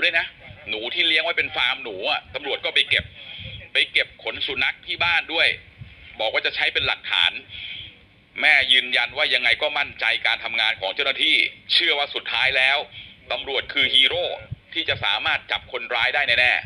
ด้วยนะหนูที่เลี้ยงไว้เป็นฟาร์มหนูอ่ะตำรวจก็ไปเก็บขนสุนัขที่บ้านด้วยบอกว่าจะใช้เป็นหลักฐานแม่ยืนยันว่ายังไงก็มั่นใจการทำงานของเจ้าหน้าที่เชื่อว่าสุดท้ายแล้วตำรวจคือฮีโร่ที่จะสามารถจับคนร้ายได้แน่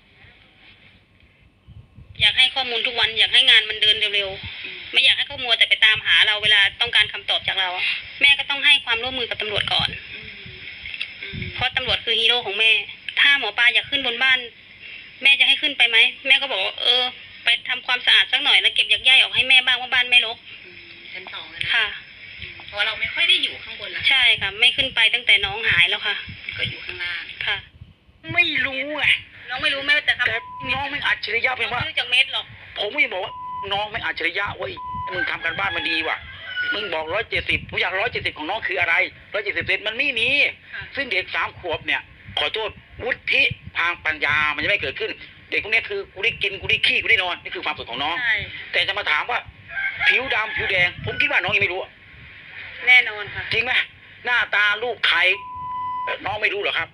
ๆอยากให้ข้อมูลทุกวันอยากให้งานมันเดินเร็วๆไม่อยากให้เขามัวแต่ไปตามหาเราเวลาต้องการคำตอบจากเราแม่ก็ต้องให้ความร่วมมือกับตำรวจก่อนเพราะตำรวจคือฮีโร่ของแม่ถ้าหมอปลาอยากขึ้นบนบ้านแม่จะให้ขึ้นไปไหมแม่ก็บอกไปทำความสะอาดสักหน่อยแล้วเก็บหญ้าออกให้แม่บ้างว่าบ้านไม่รกชั้นสองนะค่ะเพราะเราไม่ค่อยได้อยู่ข้างบนละใช่ค่ะไม่ขึ้นไปตั้งแต่น้องหายแล้วค่ะก็อยู่ข้างล่างค่ะไม่รู้ไงน้องไม่รู้แม่แต่น้องไม่อัจฉริยะเป็นว่าไม่รู้จากเม็ดหรอกผมไม่บอกว่าน้องไม่อัจฉริยะเว้ยมึงทำกันบ้านมันดีว่ะมึงบอก170ผมอยาก170ของน้องคืออะไร170เซนมันไม่มีซึ่งเด็ก3 ขวบเนี่ยขอโทษวุฒิทางปัญญามันจะไม่เกิดขึ้นเด็กพวกนี้คือกูได้กินกูได้ขี้กูได้นอนนี่คือความสุขของน้องแต่จะมาถามว่าผิวดำผิวแดงผมคิดว่าน้องยังไม่รู้แน่นอนค่ะจริงไหมหน้าตาลูกใครน้องไม่รู้หรอครับ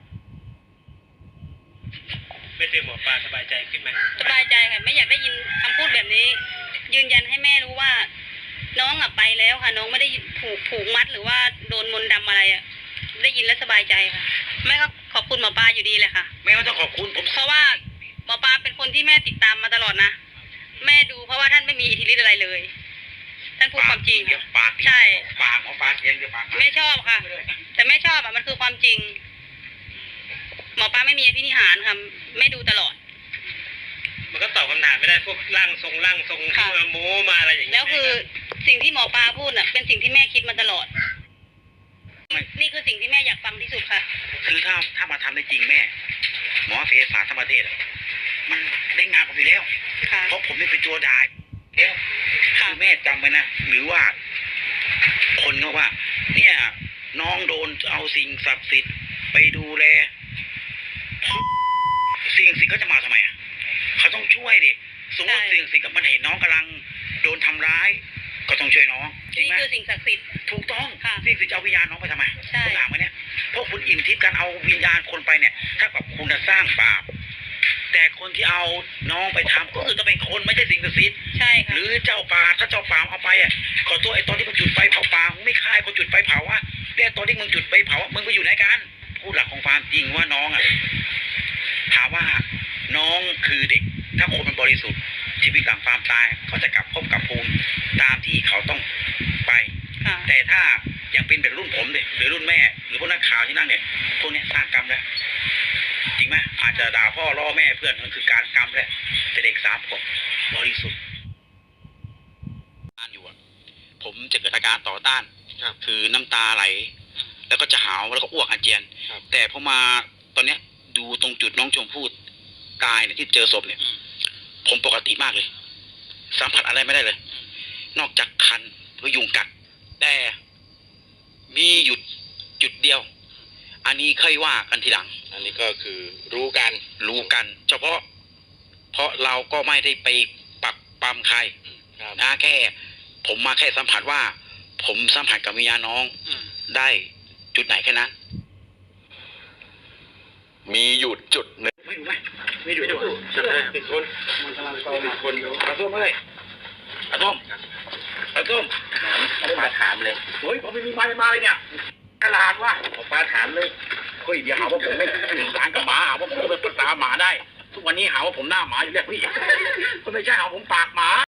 ไม่เจอหมอปลาสบายใจขึ้นไหมสบายใจค่ะไม่อยากได้ยินคำพูดแบบนี้ยืนยันให้แม่รู้ว่าน้องไปแล้วค่ะน้องไม่ได้ถูกมัดหรือว่าโดนมนต์ดำอะไรได้ยินแล้วสบายใจค่ะแม่ก็ขอบคุณหมอปลาอยู่ดีเลยค่ะแม่ก็ต้องขอบคุณผมเพราะว่าหมอปลาเป็นคนที่แม่ติดตามมาตลอดนะแม่ดูเพราะว่าท่านไม่มีอิทธิฤทธิ์อะไรเลยท่านพูดความจริงค่ะใช่ปากหมอปลาเสียงเดียวปากแม่ชอบค่ะแต่แม่ชอบมันคือความจริงหมอปลาไม่มีอภินิหารค่ะแม่ดูตลอดมันก็ตอบคำถามไม่ได้พวกร่างทรงมาโม้มาอะไรอย่างเงี้ยแล้วคือสิ่งที่หมอปลาพูดน่ะเป็นสิ่งที่แม่คิดมาตลอดนี่คือสิ่งที่แม่อยากฟังที่สุดค่ะคือถ้ามาทำได้จริงแม่หมอเสศาสตร์ทั้งประเทศมันได้งานผมอยู่แล้วเพราะผมนี่เป็นตัวดายแล้วคือแม่จำไว้นะหรือว่าคนเขาว่าเนี่ยน้องโดนเอาสิ่งศักดิ์สิทธิ์ไปดูแลสิ่งศักดิ์สิทธิ์เขาจะมาทำไมเขาต้องช่วยดิสมมติสิ่งศักดิ์สิทธิ์มันเห็นน้องกำลังโดนทำร้ายก็ต้องช่วยน้องจริงไหมนี่คือสิ่งศักดิ์สิทธิ์ถูกต้องสิ่งศักดิ์สิทธิ์จะเอาวิญญาณน้องไปทำไมคุณถามไหมเนี่ยเพราะคุณอิ่มทิพย์การเอาวิญญาณคนไปเนี่ยถ้ากับคุณจะสร้างบาปแต่คนที่เอาน้องไปทำก็คือต้องเป็นคนไม่ใช่สิ่งศักดิ์สิทธิ์ใช่ค่ะหรือเจ้าป่าถ้าเจ้าป่าเอาไปขอตัวไอ้ตอนที่มึงจุดไฟเผาป่ามึงไม่ฆ่าคนจุดไฟเผาแต่ตอนที่มึงจุดไฟเผามึงไปอยู่ไหนกันพูดหลักของความจริงว่าน้องถามว่าน้องคือเด็กถ้าคนมันบริสุทธิ์ชีวิตหลังความตายเขาจะกลับพบกับภูมิตามที่เขาต้องไปแต่ถ้ายังเป็นแบบรุ่นผมเด็กหรือรุ่นแม่หรือพวกนักข่าวที่นั่งเนี่ยพวกนี้สร้างกรรมแล้วจริงไหมอาจจะด่าพ่อล่อแม่เพื่อนมันคือการกรรมแล้วแต่เด็ก3 ขวบบริสุทธิ์อยู่ผมจะเกิดอาการต่อต้านคือน้ำตาไหลแล้วก็จะหาวแล้วก็อ้วกอาเจียนแต่พอมาตอนเนี้ยดูตรงจุดน้องชมพู่ตายเนี่ยที่เจอศพเนี่ยผมปกติมากเลยสัมผัสอะไรไม่ได้เลยนอกจากคันหรือยุงกัดแต่มีหยุดจุดเดียวอันนี้ค่อยว่ากันทีหลังอันนี้ก็คือรู้กันเฉพาะเพราะเราก็ไม่ได้ไปปักปั๊มใครนะแค่ผมมาแค่สัมผัสว่าผมสัมผัสกับวิญญาณน้องได้จุดไหนแค่นั้นมีหยุดจุดหนึ่งไม่ดูติดคนมันกำลังโตมาคนอาส้มเลยอาส้มปลาถามเลยเฮ้ยผมไม่มีมาเลยเนี่ยตลาดวะปลาถามเลยเฮ้ยเดี๋ยวหาว่าผมไม่ถึงสารกับหมาหาว่าผมเป็นภาษาหมาได้ทุกวันนี้หาว่าผมหน้าหมาอยู่แล้วพี่ไม่ใช่หาผมปากหมา